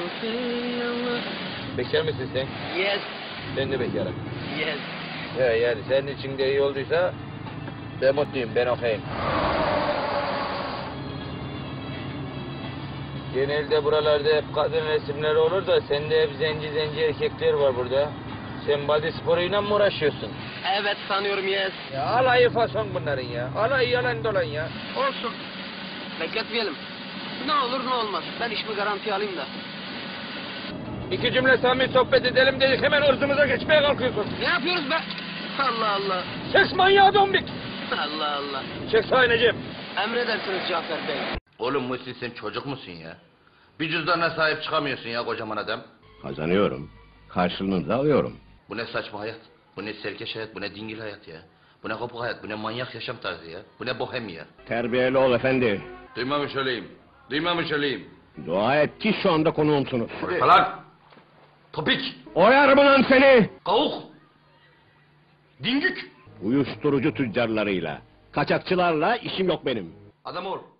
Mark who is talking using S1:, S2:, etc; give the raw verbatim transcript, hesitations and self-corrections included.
S1: Bekar mısın sen?
S2: Yes.
S1: Ben de bekarım.
S2: Yes.
S1: He yani senin için de iyi olduysa ben mutluyum, ben okeyim. Genelde buralarda hep kadın resimleri olur da sende hep zenci zenci erkekler var burada. Sen body sporuyla mı uğraşıyorsun?
S2: Evet sanıyorum yes.
S1: Ya alayı fason bunların ya. Alayı yalan dolan ya.
S2: Olsun. Bekletmeyelim. Ne olur ne olmaz. Ben işimi garantiye alayım da.
S1: İki cümle samimi sohbet edelim dedik hemen ırzımıza geçmeye kalkıyorsun.
S2: Ne yapıyoruz be? Allah Allah.
S1: Ses manyağı dombik.
S2: Allah Allah.
S1: Çek sağa Necip.
S2: Emredersiniz Cafer Bey.
S3: Oğlum Muhsin sen çocuk musun ya? Bir cüzdanına sahip çıkamıyorsun ya kocaman adam.
S4: Kazanıyorum. Karşılığını da alıyorum.
S3: Bu ne saçma hayat? Bu ne serkeş hayat? Bu ne dingil hayat ya? Bu ne kopuk hayat? Bu ne manyak yaşam tarzı ya? Bu ne bohem ya?
S4: Terbiyeli ol efendi.
S3: Duymamış olayım. Duymamış olayım.
S4: Dua et ki şu anda konuğumsunuz.
S3: Falan! Topik!
S4: Oyarım lan seni!
S3: Kavuk! Dingük!
S4: Uyuşturucu tüccarlarıyla, kaçakçılarla işim yok benim.
S3: Adam ol.